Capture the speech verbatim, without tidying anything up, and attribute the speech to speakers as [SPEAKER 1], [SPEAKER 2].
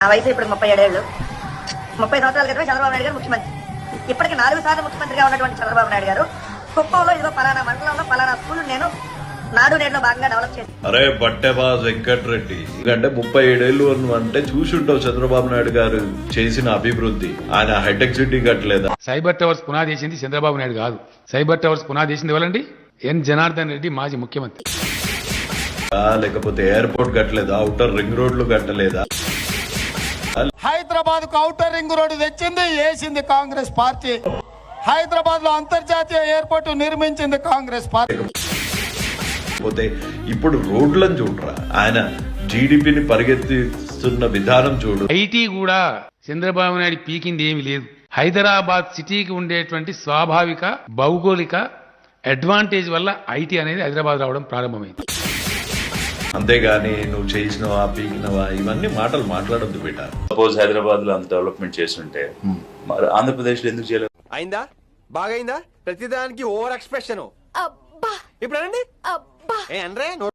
[SPEAKER 1] ఆ వయసు ఇప్పుడు ముప్పై ఏడేళ్ళు ముప్పై సంవత్సరాల క్రితమే చంద్రబాబు నాయుడు గారు ముఖ్యమంత్రి. ఇప్పటికి నాలుగు సార్లు ముఖ్యమంత్రిగా ఉన్నటువంటి చంద్రబాబు నాయుడు గారు కుప్పంలో ఇదిగో పలానా మండలంలో పలానా స్కూల్ నేను నాడు నేడులో భాగంగా డెవలప్ చేసి
[SPEAKER 2] అరే బట్టెబాజ్ వెంకటరెడ్డి ఎందుకంటే ముప్పై ఏడేళ్లు అంటే చూసి ఉంటావు చంద్రబాబు నాయుడు గారు చేసిన అభివృద్ధి. ఆయన హైటెక్ సిటీ కట్టలేదా?
[SPEAKER 3] సైబర్ టవర్స్ పునాది చేసింది చంద్రబాబు నాయుడు కాదు. సైబర్ టవర్స్ పునాది చేసింది ఎవరండి? ఎన్ జనార్దన్ రెడ్డి మాజీ ముఖ్యమంత్రి.
[SPEAKER 2] లేకపోతే ఎయిర్పోర్ట్ కట్టలేదా? ఔటర్ రింగ్ రోడ్లు కట్టలేదా?
[SPEAKER 4] హైదరాబాద్ కు ఔటర్ రింగ్ రోడ్డు తెచ్చింది వేసింది కాంగ్రెస్ పార్టీ. హైదరాబాద్ లో అంతర్జాతీయ ఎయిర్పోర్ట్ నిర్మించింది కాంగ్రెస్ పార్టీ.
[SPEAKER 2] పోతే ఇప్పుడు రోడ్లను చూడరా, ఆయన జీడిపిని పరిగెత్తిస్తున్న విధానం చూడు.
[SPEAKER 3] ఐటీ కూడా చంద్రబాబు నాయుడు పీకింది ఏమీ లేదు. హైదరాబాద్ సిటీకి ఉండేటువంటి స్వాభావిక భౌగోళిక అడ్వాంటేజ్ వల్ల ఐటీ అనేది హైదరాబాద్ రావడం ప్రారంభమైంది.
[SPEAKER 2] అంతేగాని నువ్వు చేసినవా పీకినవా ఇవన్నీ మాటలు మాట్లాడొద్దు బిడ్డ.
[SPEAKER 5] సపోజ్ హైదరాబాద్ లో అంత డెవలప్మెంట్ చేస్తుంటే మరి ఆంధ్రప్రదేశ్ లో ఎందుకు చేయలేదు?
[SPEAKER 6] అయిందా? బాగైందా? ప్రతిదానికి ఓవర్ ఎక్స్ప్రెషన్. ఇప్పుడు అనండి. ఏ అనరే